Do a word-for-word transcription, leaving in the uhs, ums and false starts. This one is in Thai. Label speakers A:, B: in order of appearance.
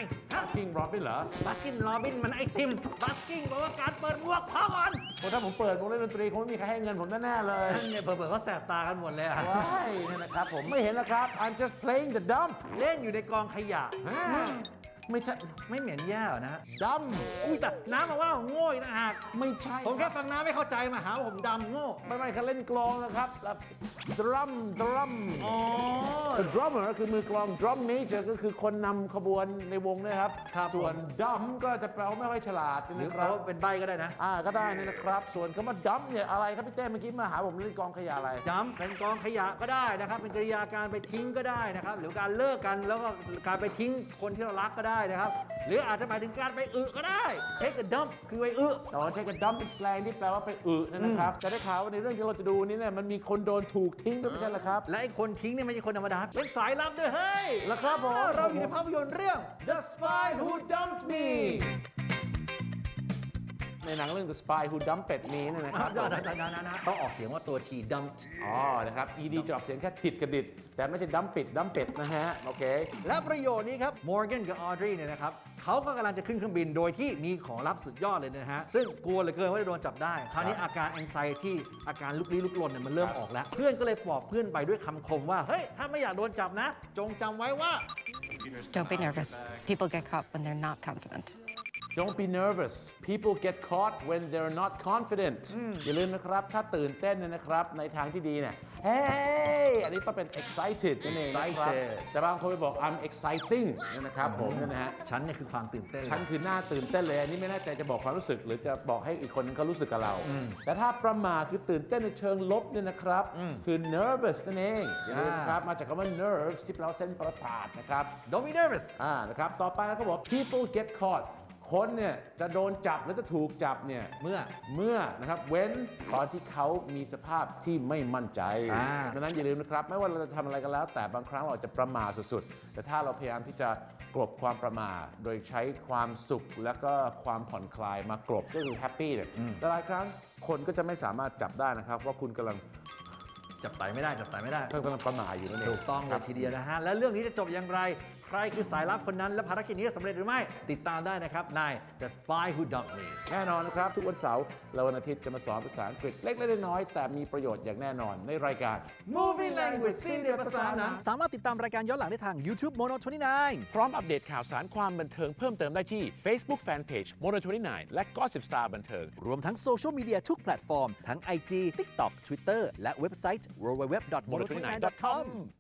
A: ฮะ
B: Baskin Robbins เหรอ
A: บัสกินโรบินมันไอติมบัสกิ้งแปลว่าการเปิดหมวกพอก่อน
B: โอ้ถ้าผมเปิดวงเล่นดนตรีคงไม่มีใครให้เงินผมแน่ๆเลย
A: นั่นเนี่ยเผื่อๆก็แสบตากันหมดเลยอะ
B: ว้ายนี่นะครับผมไม่เห็นนะครับ I'm just playing the dump
A: เล่นอยู่ในกองขยะ
B: ฮะไม่ใช่
A: ไม่เหม็นแย่เหรอนะ
B: dumb
A: อุ้ยแต่น้ำมาว่าโง่อีกนะฮะ
B: ไม่ใช่
A: ผมแค่ฟังน้ำไม่เข้าใจมาหาว่าผมดำโง่
B: ไม่ไม่เขาเล่นกลองนะครับแล้ว drum drum
A: อ๋อ
B: The drummer คือมือกลอง drum major ก็คือคนนำขบวนในวงนะครับ
A: ครับ
B: ส่วน dumb ก็จะแปลว่าไม่ค่อยฉลาด
A: หรือ
B: นะค
A: เขา
B: รับ
A: เป็นใบก็ได้นะ
B: อ่าก็ได้นี่นะครับ ส่วนคำว่า dump เนี่ยอะไรครับพี่เต้เมื่อกี้มาหาผมเล่นกลองขยะอะไร
A: จำเป็นกองขยะก็ได้นะครับ เป็นกริยาการไปทิ้งก็ได้นะครับ หรือการเลิกกันแล้วก็การไปทิ้งคนที่เรารักก็ได้นะครับ หรืออาจจะหมายถึงการไปอึก็ได้ take a dump คือไปอึ
B: อ๋อใช้กับ dump เป็น slang ที่แปลว่าไปอึนั่นนะครับแต่ได้ข่าวว่าในเรื่องที่เราจะดูนี้เนี่ยมันมีคนโดนถูกทิ้งด้วยไม่ใช่เหรอครับ
A: และไอ้คนทิ้งเนี่ยไม่ใช่คนธรรมดา เป็นสายลับด้วยเฮ้ย
B: แล้วครับผม
A: เราอยู่ในภาพยนตร์เรื่อง The Spy Who Dumped Me
B: ในหนังเรื่อง The Spy Who Dumped Me เนี่ยนะครับ
A: นะนะนะนะนะต้องออกเสียงว่าตัว T dumped
B: อ๋อนะครับ ed จะออกเสียงแค่ถิดกระดิดแต่ไม่ใช่ดัมปิดดัมเป็ดนะฮะโอเค
A: และประโยชน์นี้ครับ Morgan กับ Audrey เนี่ยนะครับเขาก็กำลังจะขึ้นเครื่องบินโดยที่มีของลับสุดยอดเลยนะฮะ ซึ่งกลัวเหลือเกินว่าจะโดนจับได้ คราวนี้อาการ anxiety อาการลุกลี้ลุกลนเนี่ยมันเริ่ม
B: ครับ
A: ออกแล้ว เพื่อนก็เลยปลอบเพื่อนไปด้วยคำคมว่า เฮ้ย ถ้าไม่อยากโดนจับนะ จงจำไว้ว่า
C: Don't be nervous. People get caught when they're not confident.
B: Don't be nervous people get caught when they're not confident อย่าลืมนะครับถ้าตื่นเต้นเนี่ยนะครับในทางที่ดีเนี่ย hey อันนี้ต้องเป็น excited นั่นเองนะครับ
A: Excited
B: แต่บางคนไปบอก I'm exciting นั่นนะครับผมนั่นนะฮะ
A: ฉันเนี่ยคือความตื่นเต้น
B: ฉันคือหน้าตื่นเต้นเลยอันนี้ไม่แน่ใจจะบอกความรู้สึก หรือจะบอกให้อีกคนนึงเขารู้สึกกับเรา แต่ถ้าประมาทคือตื่นเต้นในเชิงลบเนี่ยนะครับคือ nervous นั่นเองอย่าลืมนะครับมาจากคำว่า nerves ที่แปลว่าเส้นประสาทนะครับ
A: Don't be nervous
B: อ่านะครับต่อไปนะเขาบอก people get caught คนเนี่ยจะโดนจับหรือจะถูกจับเนี่ย
A: เมื่อ
B: เมื่อนะครับเว้นตอนที่เขามีสภาพที่ไม่มั่นใจ
A: อ่า
B: ดังนั้นอย่าลืมนะครับไม่ว่าเราจะทำอะไรกันแล้ว แต่บางครั้งเราจะประมาทสุดๆ แต่ถ้าเราพยายามที่จะกลบความประมาทโดยใช้ความสุขและก็ความผ่อนคลายมากลบก็คือแฮปปี้เนี่ยแต่หลายครั้งคนก็จะไม่สามารถจับได้นะครับว่าคุณกำลัง
A: จับไตไม่ได้จับไตไม่ได้
B: กำลังประมาทอยู่นั่นเอง
A: ถูกต้องเล
B: ครั
A: ย
B: บ
A: ทีเดียวนะฮะ และเรื่องนี้จะจบอย่างไร ใครคือสายลับคนนั้น และภารกิจนี้จะสำเร็จหรือไม่ ติดตามได้นะครับใน The Spy Who Dumped Me
B: แน่นอนนะครับ ทุกวันเสาร์และวันอาทิตย์จะมาสอนภาษาอังกฤษเล็กๆน้อยๆแต่มีประโยชน์อย่างแน่นอนในรายการ
A: Movie Language ซีเรียภาษาหนังสามารถติดตามรายการย้อนหลังได้ทาง YouTube Mono ยี่สิบเก้า
B: พร้อมอัปเดตข่าวสารความบันเทิงเพิ่มเติมได้ที่ Facebook Fanpage Mono ยี่สิบเก้า และ Gossip Star บันเทิง
A: รวมทั้งโซเชียลมีเดียทุกแพลตฟอร์ม ทั้ง ไอ จี TikTok Twitter และเว็บไซต์ ดับเบิลยู ดับเบิลยู ดับเบิลยู ดอท โมโน ยี่สิบเก้า ดอท คอม